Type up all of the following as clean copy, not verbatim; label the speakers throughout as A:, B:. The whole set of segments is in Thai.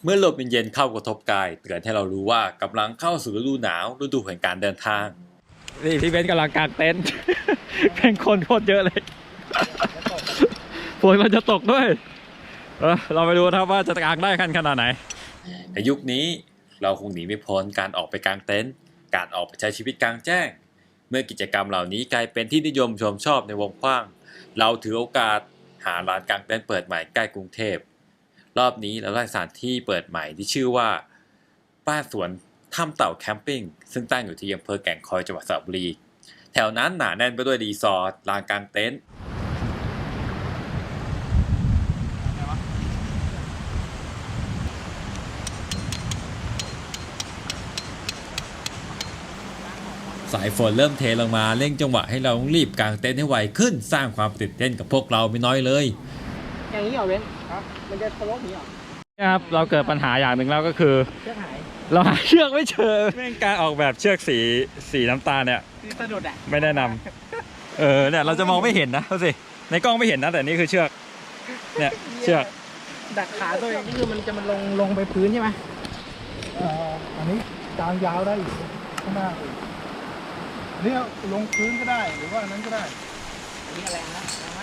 A: เมื่อลมเย็นๆเข้ากระทบกายเตือนให้เรารู้ว่ากำลังเข้าสู่ฤดูหนาวฤดูแห่งการเดินทาง
B: นี่พี่เบนซ์กำลังกางเต็นท์ เป็นคนโคตรเยอะเลย ฝนมันจะตกด้วยเราไปดูนะครับว่าจะกางได้ขนาดไหน
A: ในยุคนี้เราคงหนีไม่พ้นการออกไปกางเต็นท์การออกไปใช้ชีวิตกลางแจ้งเมื่อกิจกรรมเหล่านี้กลายเป็นที่นิยมชมชอบในวงกว้างเราถือโอกาสหาร้านกางเต็นท์เปิดใหม่ใกล้กรุงเทพรอบนี้เราได้สถานที่เปิดใหม่ที่ชื่อว่าบ้านสวนถ้ำเต่าแคมปิ้งซึ่งตั้งอยู่ที่อำเภอแก่งคอยจังหวัดสระบุรีแถวนั้นหนาแน่นไปด้วยรีสอร์ทลานกางเต็นท์สายฝนเริ่มเทลงมาเร่งจังหวะให้เราต้องรีบกางเต็นท์ให้ไวขึ้นสร้างความตื่นเต้นกับพวกเราไม่น้อยเลย
C: อย่างนี้เหรอเว้นครับมันจะทะลุนี้เหรอ
B: ครับเราเกิดปัญหาอย่างหนึ่งแล้วก็คือ
C: เชือกหาย
B: เราหาเชือกไม่เจอแม่งการออกแบบเชือกสีน้ำตาลเนี่ย
C: สะดุดอ่ะ
B: ไม่แนะนำเนี่ยเราจะมองไม่เห็นนะดูสิในกล้องไม่เห็นนะแต่นี่คือเชือกเนี่ยเชือก
C: ดักขาตัวเองก็คือมันจะลงไปพื้นใช่ไหม
D: อันนี้กางยาวได้อีกข้างหน้าอีกนี่ลงพื้นก็ได้หรือว่านั้นก็ได้
C: นี่อะไรนะ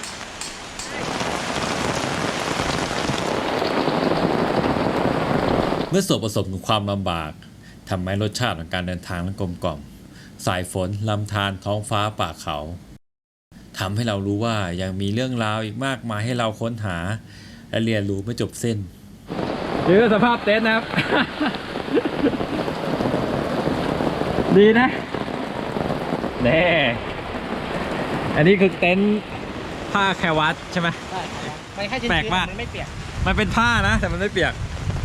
A: เมื่อส่วนผสมของความลำบากทำให้รสชาติของการเดินทางนั้นกลมกล่อมสายฝนลำธารท้องฟ้าป่าเขาทำให้เรารู้ว่ายังมีเรื่องราวอีกมากมายให้เราค้นหาและเรียนรู้ไม่จบสิ้น
B: นี่คือสภาพเต็นท์นะครับ ดีนะแน่อันนี้คือเต็นท์ผ้าแควัตใช่ไหม
C: ใช่ไม่แค่ชิ้นแปลกมากมันไม่เปียก
B: มันเป็นผ้านะแต่มันไม่เปียก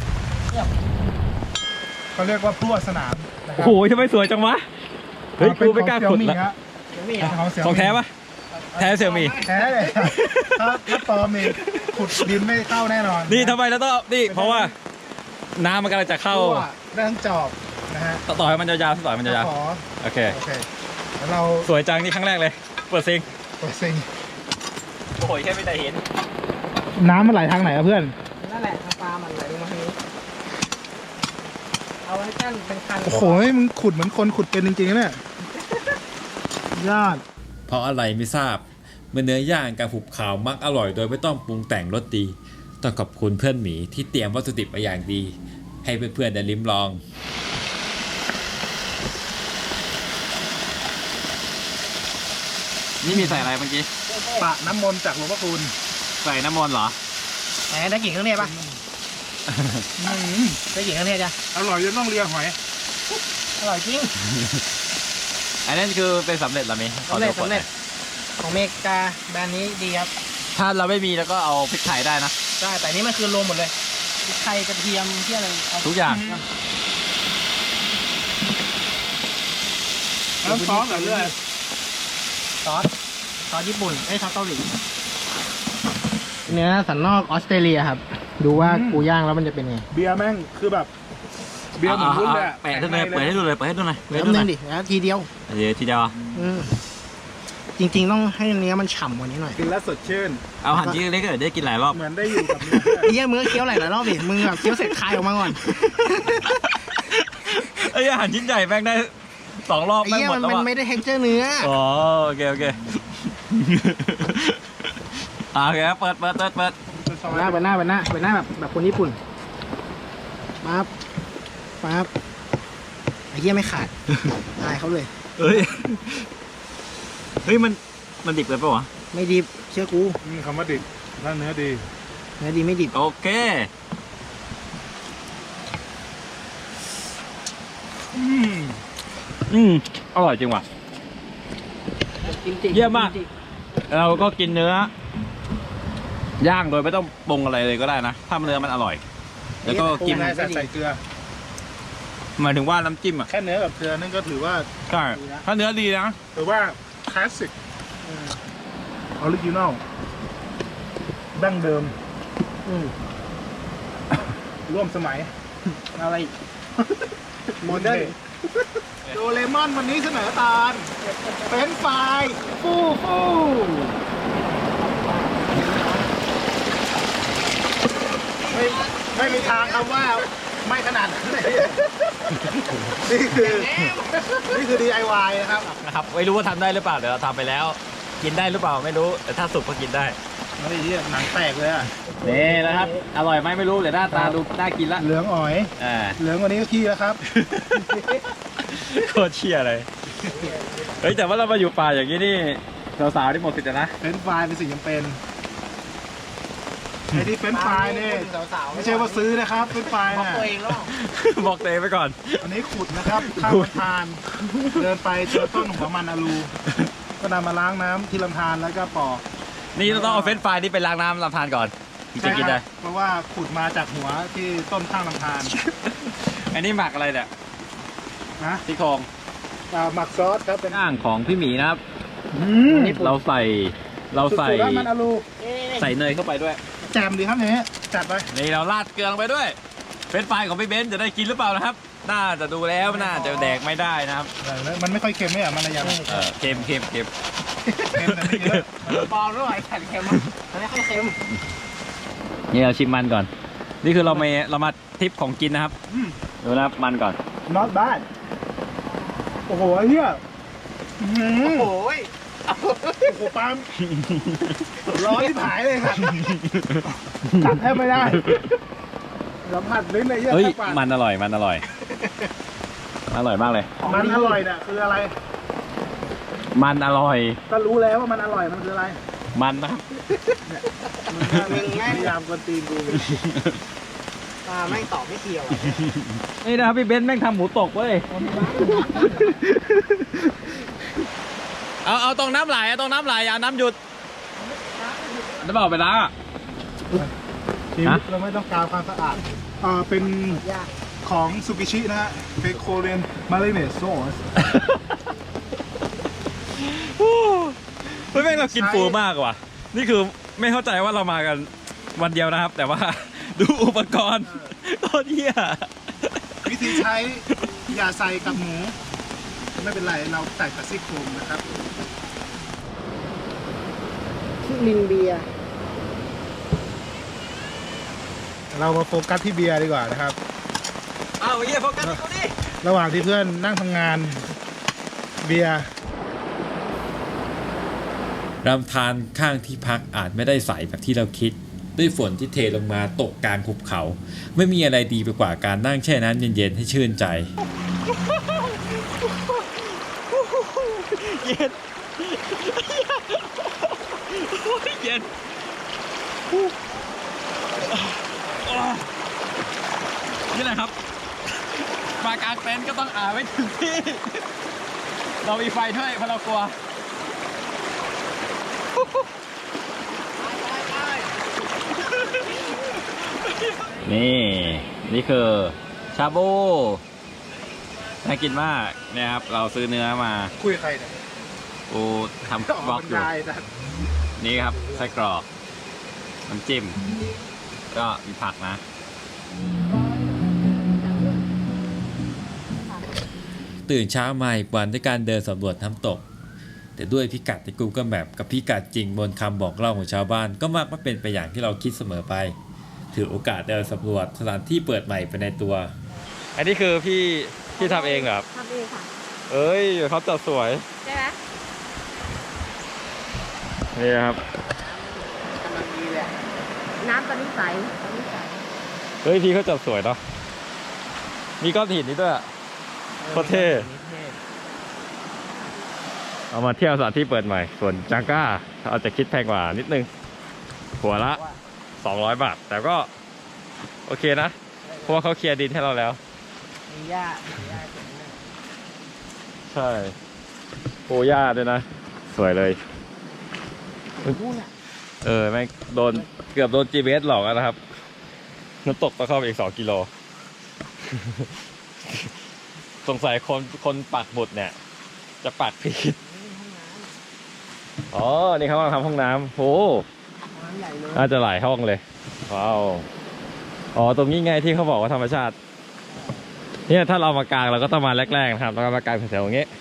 D: เขาเรียกว่าพลั่วสนาม
B: โอ้โหทำไมสวยจังวะเฮ้ยกูไม่กล้าขุดละของแท้ปะแท้เสี่ยวมี่
D: แท้เลยถ้าปลอมนี่ขุดดินไม่เข้าแน่นอน
B: นี่ทำไมแล้วต้องนี่เพราะว่าน้ำมันกำลังจะเข้า
D: ด้านจอบนะฮะ
B: ต่อให้มันยาวๆต่อให้มันยาวโอเค
D: แล้วเรา
B: สวยจังนี่ครั้งแรกเลยเปิดซิงโอ้ยแค่ไม่ได้เห็น
D: น้ำมันไหลทางไหนอะเพื่อน
C: นั่นแหละทางปลามันไหลลงมาทางนี้เอาไว้กั้นเป็นคัน
D: โอ้โหมึงขุดเหมือนคนขุดเป็นจริงๆเนี่ยยอด
A: เพราะอะไรไม่ทราบเมื่อเนื้อย่างกับหุบขาวมักอร่อยโดยไม่ต้องปรุงแต่งรสดีต้องขอบคุณเพื่อนหมีที่เตรียมวัตถุดิบมาอย่างดีให้เพื่อนๆได้ลิ้มลอง
B: นี่มีใส่อะไรเมื่อกี้
D: ปะน้ำมนต์จากหลวงพ่อคูณ
B: ใส่น้ำมนต์เหรอ
C: ไหนได้กลิ่นเครื่องเทศปะได้กลิ่นเครื่องเทศจ้ะ
D: อร่อยจนต้องเลียหอย
C: อร่อยจริง
B: อันนั้นคือเป็นสำเร็จหรือไม่
C: สำเร็จของเมกาแบรนด์นี้ดีครับ
B: ถ้าเราไม่มีแล้วก็เอาพริกไทยได้นะ
C: ใช่แต่นี้มันคือรวมหมดเลยพริกไทยกระเทียมที่อะไร
B: ทุกอย่าง
D: แล้วซอสแบบเรื่อย
C: ซอสญี่ปุ่นซอสเกาหลีเนื้อสันนอกออสเตรเลียครับดูว่ากูย่างแล้วมันจะเป็นไง
D: เบียร์แม่งคือแบบเบียร์เหมือนรุ่นเลย
B: แปะให้เปิดให้ดูเลยเปิดให้ดูหน่อย
C: เริ่มนึงดิแล้วทีเดียว
B: ทีเดียว
C: จริงๆต้องให้เนื้อมันฉ่ำกว่านี้หน่อย
D: กินแล้วสดชื่น
B: เอาหั่นชิ้นเล็กๆได้กินหลายรอบ
D: เหมือนได้อยู่กับ
C: เหี้ยมือเคี้ยวหลายรอบดิมึงแบบเคี้ยวเสร็จคายออกมาก่อน
B: ไอ้หั่นชิ้นใหญ่แม่งได้2 รอบแม่งหมดแล้ว
C: มันไม่ได้เท็กเจอร์เนื้อ
B: อ๋อโอเคโอเคเปิด
C: หน้าแบบคนญี่ปุ่นปั๊บไอ้เหี้ยไม่ขาดตายเขาเลย
B: เฮ้ยมันดิบเลยปะวะ
C: ไม่ดิบเชื่อกู
D: คำว่าดิบถ้าเนื้อดี
C: ไม่ดิบ
B: โอเคอร่อยจริงว่ะเยี่ยมมากเราก็กินเนื้อย่างโดยไม่ต้องปรุงอะไรเลยก็ได้นะถ้าเนื้อมันอร่อยแล้วก็กิน
D: ใส่เกลือ
B: หมายถึงว่าน้ำจิ้มอ่ะ
D: แค่เนื้อกับเกลือนั่นก็ถือว่า
B: ใช่ถ้าเนื้อดีนะ
D: ถือว่าคลาสสิกออริจินอลดั้งเดิมร่วมสมัย
C: อะไร
D: โมเดิร์นโดเรมอนวันนี้เสนอตาลเป็นไฟฟูไม่มีมีทางคำว่าไม่ขนาดนั้นเลยนี่คือ DIY นะครับ
B: นะครับไม่รู้ว่าทำได้หรือเปล่าเดี๋ยวเราทำไปแล้ว กินได้หรือเปล่าไม่รู้แต่ถ้าสุกก็กินได้
D: เฮ้ยเนี่ยหนังแตกเลยอ่ะ
B: นี่นะครับ อร่อยไหมไม่รู้แต่หน้าตาดูน่ากินละ
D: เหลืองอ๋อย เหลืองกว่านี้ก็ขี้แล้วครับ
B: โคตรเชี่ยเลยเฮ้ยแต่ว่าเรามาอยู่ป่าอย่างนี้นี่สาวๆที่หมดสิทธิ์นะ
D: เฟรนช์ฟรายเป็นสิ่งจำเป็นไอ้ที่เฟรนช์ฟรายนี่ไม่ใช่ว่าซื้อนะครับเฟรนช์ฟรายน่ะ
B: บอกตัวเองไปก่อน
D: อันนี้ขุดนะครับข้ามลำธารเดินไปเจอต้นหัวมันอลูก็นำมาล้างน้ำที่ลำธารแล้วก็ปอก
B: นี่เราต้องเอาเฟรนช์ฟรายนี่ไปล้างน้ำลำธารก่อนถึงจะกินได้
D: เพราะว่าขุดมาจากหัวที่ต้นข้างลำธาร
B: อันนี้หมักอะไรเนี่ย
D: นะ
B: ซี่โครง
D: หมักซอสครับเป็น
B: ย่างของพี่หมีนะครับ
C: นี่
B: เราใส่
D: สุดๆแล้วมันอลู
B: ใส่เนยเข้าไปด้วย
D: แจมดีครับเนี่ยจัดไป
B: นี่เราราดเกลือลงไปด้วยเฟรนช์ฟรายของพี่เบนซ์จะได้กินหรือเปล่านะครับ น่าจะดูแล้วน่าจะแดกไม่ได้นะครับ
D: มันไม่ค่อยเค็มเนี่ยมันอะไรอย่าง
B: เค็มเค็มเค็ม
D: เค็มแต่ไม่เยอะ
C: ปอร่อยแข็งเค็มมันไม่ค่อยเค็ม
B: นี่เราชิมมันก่อน นี่คือเรามาทริปของกินนะครับดูนะครับมันก่อน
D: not bad โอ้โหไอ้เหี้ยอื้อหือ
C: โอ้ย
D: โอ้โหปาล์มร้อนที่ผายเลยครับกัดแทบไม่ได้สัมผัสลิ้นเลยเหี้ย
B: เฮ้ย
D: แทบปาด
B: มันอร่อยมันอร่อยอร่อยมากเลย
D: มันอร่อยน่ะคืออะไร
B: มันอร่อย
D: ก็รู้แล้วว่ามันอร่อยมันคืออะไร
B: มันนะครับ
C: มึงแม่ง
D: พยายามกวนตีนกู
C: แม่งตอบไม่เกี่ยว
B: นี่นะครับพี่เบนซ์แม่งทำหมูตกเว้ยเอาตรงน้ำไหลตรงน้ำไหลอย่าน้ำหยุดจะบอกไปล้างอ่ะ
D: ชีวิตเราไม่ต้องการความสะอาดเป็นของซูกิชินะฮะเป็นโคเรียนมาริเนตซอส
B: เฮ้ยแม่งเรากินฟูมากว่ะนี่คือไม่เข้าใจว่าเรามากันวันเดียวนะครับ แต่ว่าดูอุปกรณ์โคตรเหี้ย
D: วิธีใช้อย่าใส่กับหมูไม่เป็นไรเราใส่กับซี่โครงนะครับ
C: ชื่อลินเบียร์
D: เรามาโฟกัสที่เบียร์ดีกว่านะครับ
B: เอาเหี้ยโฟกัสที่กูดิ
D: ระหว่างที่เพื่อนนั่งทำงานเบียร์
A: ลำธารข้างที่พักอาจไม่ได้ใสแบบที่เราคิด ด้วยฝนที่เทลงมาตกกลางหุบเขา ไม่มีอะไรดีไปกว่าการนั่งแช่น้ำเย็นๆให้ชื่นใจ
B: เย็นเย็นนี่แหละครับมากางเต็นท์ก็ต้องอาบไว้ถึงที่ เรามีไฟด้วยเพราะเรากลัว นี่คือชาบูน่ากินมากเนี่ยครับเราซื้อเนื้อมา
D: คุยกับใครเนี่ย
B: กูทำบล็อกอยู่
D: ได้นะ
B: นี่ครับไส้กรอกน้ำจิ้มก็มีผักนะ
A: ตื่นเช้ามาอีกวันด้วยการเดินสำรวจน้ำตก แต่ด้วยพิกัดใน Google Map กับพิกัดจริงบนคำบอกเล่าของชาวบ้านก็มักไม่เป็นไปอย่างที่เราคิดเสมอไป ถือโอกาสเดินสำรวจสถานที่เปิดใหม่ไปในตัว
B: อันนี้คือพี่ทำเองเหรอครับ
E: ทำเองค่ะ
B: เอ้ยเขาจัดสวย
E: ใช่ไหม
B: นี่ครับ
C: กำลังดีเลย
E: น้ำตอนนี้ใสตอนนี้ใส
B: เฮ้ยพี่เขาจัดสวยเนาะมีก้อนหินนี่ด้วยอะโคตรเท่เอามาเที่ยวสถานที่เปิดใหม่ ส่วนจังก้าเอาจะคิดแพงกว่านิดนึงหัวละ200 บาท แต่ก็โอเคนะ เพราะว่าเขาเคลียร์ดินให้เราแล้ว
C: มีหญ้ามีหญ้าเจ๋งเลย
B: ใช่โอ้ย่าด้วยนะ สวยเลย
C: นู่นอ่ะ
B: แม่งเกือบโดน GPS หลอกแล้วนะครับน้ำตกต้องเข้าไปอีก2 กิโล สงสัยคนปักหมุดเนี่ย จะปักผิด อ๋อ นี่เขากำลังทำห้องน้ำโห
C: น้ำใหญ่เลย
B: น่าจะหลายห้องเลย ว้าว อ๋อ ตรงนี้ไงที่เขาบอกว่าธรรมชาติ เนี่ยถ้าเรามากางเราก็ต้องมาแรกๆนะครับแล้วก็มากางแถวๆอย่างเงี้ย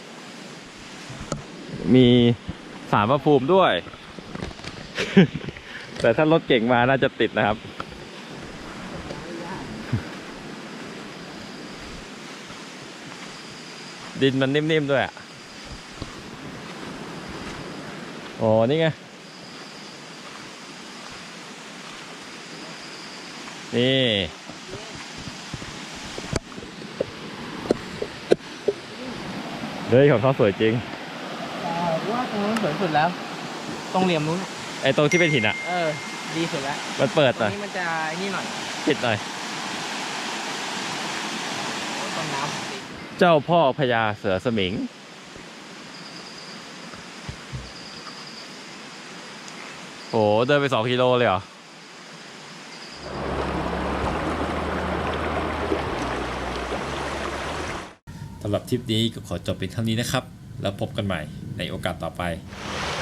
B: มีศาลพระภูมิด้วย แต่ถ้ารถเก่งมาน่าจะติดนะครับดินมันนิ่มๆด้วยอ่ะโอ้นี่ไงนี่เฮ้ยของเขาสวยจริง
C: ว่าตรงนู้นสวยสุดแล้ว ตรงเหลี่ยมนู้น
B: ไอ้ตรงที่เป็นหินอ่ะ
C: ดีสุดแล้ว
B: มันเปิด
C: ต
B: ห
C: ร
B: น่
C: ง
B: อย
C: นี้มันจะไอ้นี่หน่อย
B: ปิดหน่อย
C: ต้นน้ำติด
B: เจ้าพ่อพญาเสือสมิงโอ้เดินไป2 กิโลเลยเหรอ
A: สำหรับทริปนี้ก็ขอจบเป็นเท่านี้นะครับ แล้วพบกันใหม่ในโอกาสต่อไป